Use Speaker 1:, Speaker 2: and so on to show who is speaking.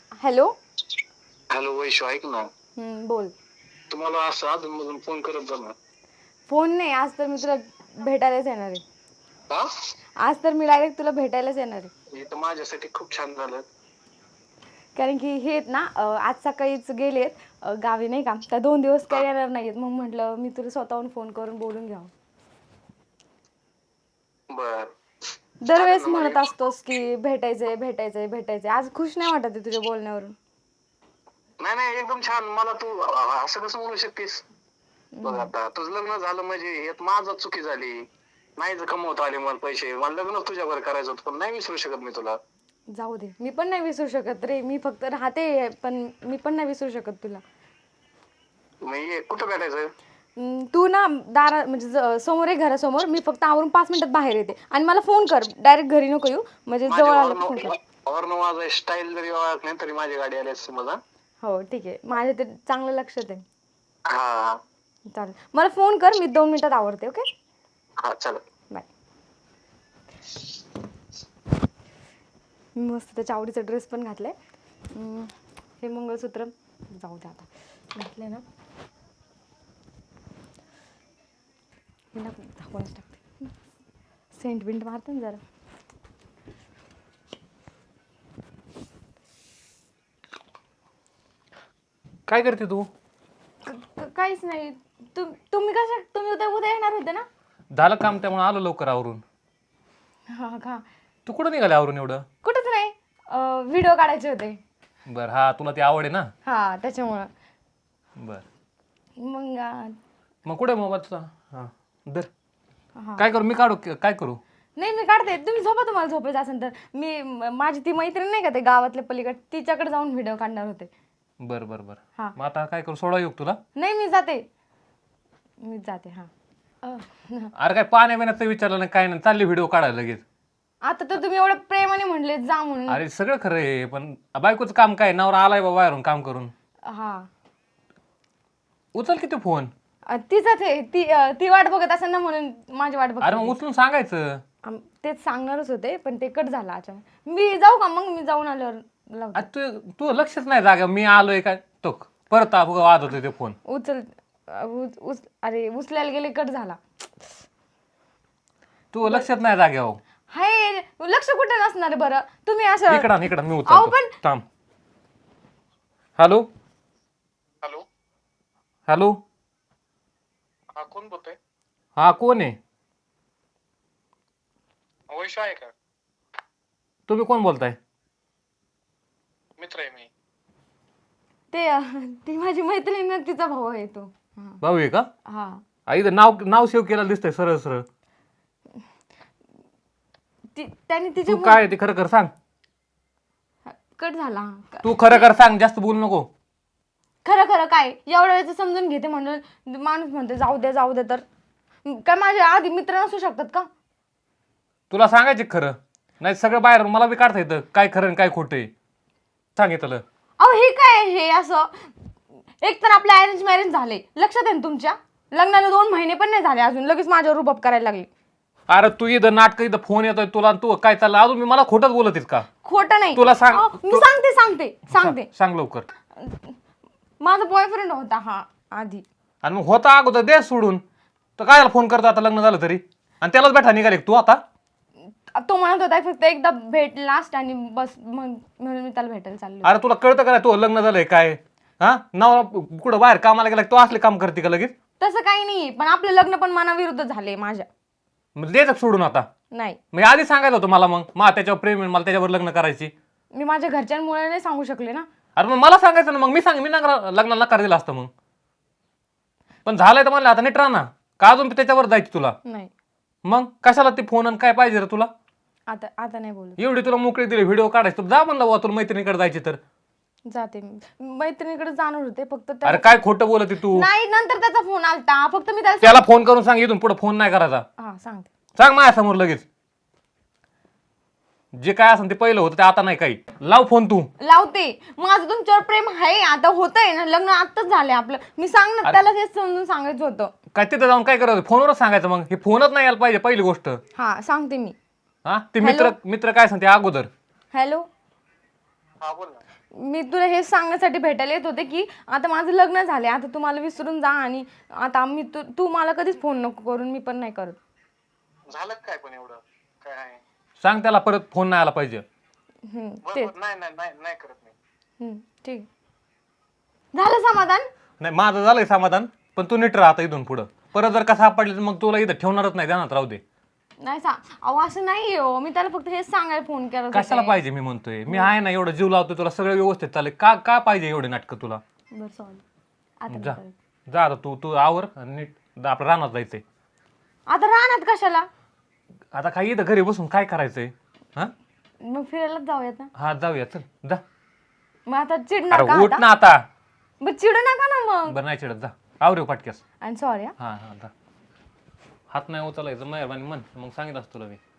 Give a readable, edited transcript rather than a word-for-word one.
Speaker 1: Hello.
Speaker 2: Hello Vaishu, ऐक ना.
Speaker 1: बोल.
Speaker 2: तुम्हाला असं अधूनमधून फोन करत जा ना.
Speaker 1: फोन नाही, आज तर मी तुला भेटायलाच येणार आहे.
Speaker 2: हा?
Speaker 1: आज तर मी डायरेक्ट तुला भेटायलाच येणार आहे.
Speaker 2: हे तर माझ्यासाठी खूप छान झालं.
Speaker 1: कारण की हे आहेत ना, आज सकाळीच गेलेत गावी नाही का, त्या 2 दिवस काही येणार नाहीत. मग म्हटलं मी तुला स्वतःहून फोन करून बोलून घ्यावं.
Speaker 2: बर. चालेल
Speaker 1: दरवेळेस
Speaker 2: ना मला.
Speaker 1: म्हणत असतोस की भेटायचंय भेटायचंय भेटायचंय. आज खुश नाही वाटत आहे तुझ्या बोलण्यावरून.
Speaker 2: नाही नाही, एकदम छान. मला तू असं कसं म्हणू शकतेस? बघ आता तुझं लग्न झालं म्हणजे यात माझं चुकी झाली. नाही जर कमवता आले मला पैसे, मला लग्न तुझ्यावर करायचं होतं, पण नाही विसरू शकत मी तुला.
Speaker 1: जाऊ दे, मी पण नाही विसरू शकत रे. मी फक्त राहते, पण मी पण नाही विसरू शकत तुला.
Speaker 2: मग ये, कुठं भेटायचं?
Speaker 1: तू ना दारा म्हणजे समोर आहे घरासमोर. मी फक्त आवरून 5 मिनिटात बाहेर येते आणि मला फोन कर. डायरेक्ट घरी नको येऊ, म्हणजे
Speaker 2: माझे
Speaker 1: जवळ आलं की फोन कर.
Speaker 2: हॉर्न माझा स्टाईल जरी ओळख नाही तरी माझी गाडी आली असते मला.
Speaker 1: हो ठीक आहे, माझ्या ते चांगलं लक्षात आहे.
Speaker 2: हा
Speaker 1: चालेल, मला फोन कर. मी 2 मिनिटात आवरते. ओके,
Speaker 2: हा, चालेल.
Speaker 1: बाय. मी मस्त त्याच्या आवडीचा ड्रेस पण घातलाय. हे मंगळसूत्र जाऊ दे आता घातलंय ना. मी ना दाखवूनच टाकते. सेंट बिंट मारते ना जरा.
Speaker 3: काय करते तू?
Speaker 1: काहीच नाही. तुम्ही उद्या येणार होते ना?
Speaker 3: झालं काम, त्यामुळे आलो लवकर आवरून.
Speaker 1: हा का?
Speaker 3: तू कुठं निघाले आवरून एवढं?
Speaker 1: कुठंच नाही, व्हिडिओ काढायचे होते.
Speaker 3: बरं, हा तुला ती आवड आहे ना?
Speaker 1: हा, त्याच्यामुळं.
Speaker 3: बर,
Speaker 1: मग
Speaker 3: कुठे मोबाईल तुझा? हा दर.
Speaker 1: हा.
Speaker 3: काय करू मी? काढू काय करू?
Speaker 1: नाही, मी काढते. तुम्ही झोपा, तुम्हाला झोपायचं असेल तर. मी माझी ती मैत्रीण नाही का, ते गावातल्या पलीकडे, तिच्याकडे जाऊन व्हिडिओ काढणार होते.
Speaker 3: बरं बरं बरं.
Speaker 1: हा.
Speaker 3: मग आता काय करू? सोडा येऊ तुला?
Speaker 1: नाही, मी जाते. हा.
Speaker 3: अरे काय पाण्या बिण्याचं विचारलं नाही, काय नाही, चालली व्हिडिओ काढायला लगेच.
Speaker 1: आता तर तुम्ही एवढं प्रेमाने म्हणले जा म्हणून.
Speaker 3: अरे सगळं खरं आहे, पण बायकोचं काम काय? नवरा आलाय बाबा बाहेरून काम करून.
Speaker 1: हा.
Speaker 3: उचल किती फोन.
Speaker 1: तिचं ते ती वाट बघत असेल ना, म्हणून माझी वाट
Speaker 3: अरे
Speaker 1: बघत.
Speaker 3: मग उचलून सांगायचं.
Speaker 1: तेच सांगणारच होते, पण ते कट झाला अचानक. मी जाऊ का मग? मी जाऊन आल्यावर लावते.
Speaker 3: तू तू लक्षच नाही जागा मी आलोय काय तो परत वाद होते ते फोन.
Speaker 1: अरे उचलायला गेले, कट झाला.
Speaker 3: तू लक्षात नाही जाग्यावर.
Speaker 1: हाय, लक्ष कुठे नसणार बरं? तुम्ही असं
Speaker 3: इकडं मी
Speaker 1: अहो,
Speaker 3: उचलतो.
Speaker 1: पण
Speaker 3: थांब. Hello
Speaker 2: hello.
Speaker 3: हॅलो.
Speaker 2: हा, कोण बोलतोय?
Speaker 3: हा कोण आहे?
Speaker 2: वैशू आहे का?
Speaker 3: तुम्ही कोण बोलताय?
Speaker 2: मित्र आहे मी.
Speaker 1: ती माझी मैत्रीण ना, तिचा भाऊ आहे तो.
Speaker 3: भाऊ आहे का?
Speaker 1: हा.
Speaker 3: इथं नाव सेव्ह केलं दिसतंय सरळ सरळ.
Speaker 1: त्याने
Speaker 3: तू काय ते खरं कर सांग.
Speaker 1: कट झाला.
Speaker 3: तू खरं कर सांग, जास्त बोलू नको.
Speaker 1: खरं काय एवढ्या वेळेचं समजून घेते म्हणून माणूस म्हणते जाऊ दे तर काय माझे आधी मित्र नसू शकतात का?
Speaker 3: तुला सांगायचे खरं, नाही सगळं बाहेर मला बी काढता येतं काय खरं आणि काय खोटं आहे. सांगितलं.
Speaker 1: अहो हे काय हे असं? एक तर आपले अरेंज मॅरेज झाले, लक्षात आहे ना तुमच्या? लग्नाला 2 महिने पण नाही झाले अजून, लगेच माझ्यावर रुबाब करायला लागले.
Speaker 3: अरे तू इथं नाटक, इथं फोन येतोय तुला, तू काय चाललं अजून? मी मला खोटंच बोलत आहेस का?
Speaker 1: खोटं नाही.
Speaker 3: तुला सांग.
Speaker 1: मी सांगते.
Speaker 3: सांग लवकर.
Speaker 1: माझा बॉयफ्रेंड होता हा आधी.
Speaker 3: आणि मग होता अगोदर दे सोडून, तर काय फोन करतो आता लग्न झालं तरी? आणि त्यालाच बैठा निघाले तू आता?
Speaker 1: तो म्हणत होता फक्त एकदा भेट लास्ट आणि बस, म्हणून मी त्याला भेटायला चाललो.
Speaker 3: अरे तुला कळतं का नाही तू लग्न झालंय काय? हा, नवरा कुठं बाहेर कामाला गेला तो असले काम करते का लगेच?
Speaker 1: तसं काही नाही, पण आपलं लग्न पण मनाविरुद्ध झाले माझ्या.
Speaker 3: मग द्यायचं सोडून आता?
Speaker 1: नाही,
Speaker 3: मी आधी सांगायचं होतं मला, मग त्याच्यावर प्रेम आहे, मला त्याच्यावर लग्न करायची.
Speaker 1: मी माझ्या घरच्यांमुळे नाही सांगू शकले ना.
Speaker 3: अरे मग मला सांगायचं ना, मग मी लग्नाला नकार दिला असतं मग. पण झालंय तर म्हणलं आता नीट राहा ना, का अजून त्याच्यावर जायची तुला?
Speaker 1: नाही,
Speaker 3: मग कशाला ते फोन आणि काय पाहिजे रे तुला?
Speaker 1: आता नाही बोलू.
Speaker 3: एवढी तुला मोकळी दिली व्हिडिओ काढायचं, जा म्हणलं वा तुला मैत्रिणीकडे जायची तर.
Speaker 1: जाते मी मैत्रिणीकडे जाणार होते फक्त
Speaker 3: अरे काय खोटं बोलत तू?
Speaker 1: नाही, नंतर त्याचा फोन आलता, फक्त मी
Speaker 3: त्याला फोन करून सांग इथून पुढे फोन नाही करायचा.
Speaker 1: हा सांगते.
Speaker 3: सांग माझ्यासमोर लगेच. जे काय असेल ते पहिलं होतं ते आता नाही काही. लाव फोन तू.
Speaker 1: लावते. माझं तुमच्यावर प्रेम आहे, आता होतंय ना, लग्न आताच झालंय आपलं. मी सांगणार त्याला, हेच समजून सांगायचं होतं.
Speaker 3: काय तिथं जाऊन काय करायचं? फोनवरच सांगायचं. मग हे फोनच नाही यायला पाहिजे पहिली गोष्ट.
Speaker 1: हा सांगते मी.
Speaker 3: हा, ते मित्र काय सांगते अगोदर?
Speaker 1: हॅलो.
Speaker 2: हा बोल ना.
Speaker 1: मी तुला हेच सांगण्यासाठी भेटायला येत होते की आता माझं लग्न झाले, आता तू मला विसरून जा आणि आता तू मला कधीच फोन नको करून, मी पण नाही करत.
Speaker 2: झालं काय पण एवढं काय आहे?
Speaker 3: सांग त्याला परत फोन नाही आला पाहिजे.
Speaker 1: तेच.
Speaker 2: नाही नाही नाही नाही करत मी.
Speaker 1: ठीक. झालं समाधान?
Speaker 3: नाही माझं झालंय समाधान, पण तू नीट राहा आता इथून पुढं. परत जर का सापडली तर मग तुला इथं ठेवणारच नाही, ध्यानात राहू दे.
Speaker 1: नाही अहो असं नाही हो, मी त्याला फक्त हेच सांगायला फोन केला होता.
Speaker 3: कशाला पाहिजे मी म्हणतोय, मी आहे ना, एवढं जीव लावतोय तुला, सगळं व्यवस्थित चालेल. का का पाहिजे एवढे नाटकं तुला?
Speaker 1: बरं सॉरी, आता
Speaker 3: जा
Speaker 1: नाही करत.
Speaker 3: जा आता तू आवर आणि नीट आपलं रानात जायचंय.
Speaker 1: आता राहणार कशाला?
Speaker 3: आता काय इथं घरी बसून काय करायचंय? हा
Speaker 1: मग फिरायलाच जाऊयात ना.
Speaker 3: हा जाऊया चल जा.
Speaker 1: मग आता चिडणार
Speaker 3: अरे
Speaker 1: का
Speaker 3: उठ
Speaker 1: आता?
Speaker 3: ना आता.
Speaker 1: मग चिडू नका ना मग.
Speaker 3: बरं नाही चिडत, जा आवरे पाटक्यास.
Speaker 1: आणि सॉरी.
Speaker 3: हा हा जा. हात नाही उचलायचं मेहरबानी म्हण, मग सांगितलं असतं तुला मी.